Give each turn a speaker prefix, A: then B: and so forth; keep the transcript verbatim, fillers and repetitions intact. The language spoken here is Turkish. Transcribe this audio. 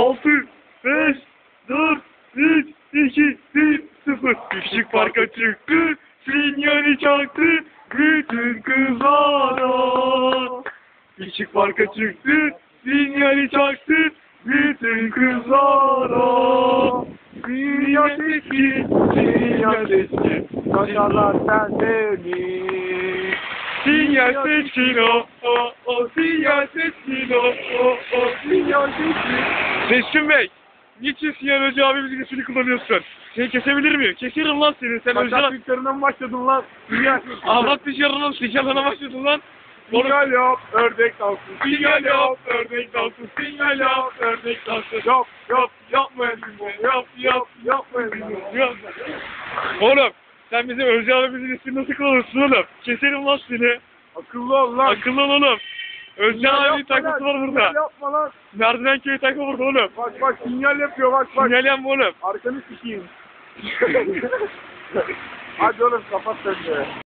A: altı, beş, dört, üç, iki, bir, sıfır. Küçük parka çıktı, sinyali çaktı, bütün kızlara. Küçük parka çıktı, sinyali çaktı, bütün kızlara. Sinyal sesli, sinyal sesli,
B: Kaşarlar sendeni.
A: sinyal sesli, o, o, o, sinyal sesli, o, o, o, sinyal sesli. Seçkin Bey, niçin Sinyal Hoca abimizin ismini kullanıyorsun? Seni kesebilir miyim? Keserim lan seni, sen
B: Kaşar
A: Hoca...
B: büyüklerinden mi başladın lan? Sinyal.
A: Ahlat dışarıdan sinyalına başladın lan.
B: Sinyal yap, ördek dansı.
A: Sinyal yap, ördek dansı, sinyal yap, ördek dansı.
B: Yap, yap, yapma elini. Yap, yap, yapma elini.
A: Yap. Oğlum, sen bizim Özcan abimizin ismini nasıl kullanırsın oğlum? Keserim lan seni.
B: Akıllı ol lan.
A: Akıllı ol oğlum. Özcan abinin
B: Yapma lan,
A: takması var
B: sinyal
A: burada.
B: yapma lan.
A: Merdiven köyü takma burada oğlum.
B: Bak bak sinyal yapıyor bak bak.
A: Sinyal yapma oğlum.
B: Arkanı sikeyim. Hadi oğlum kapat sen de.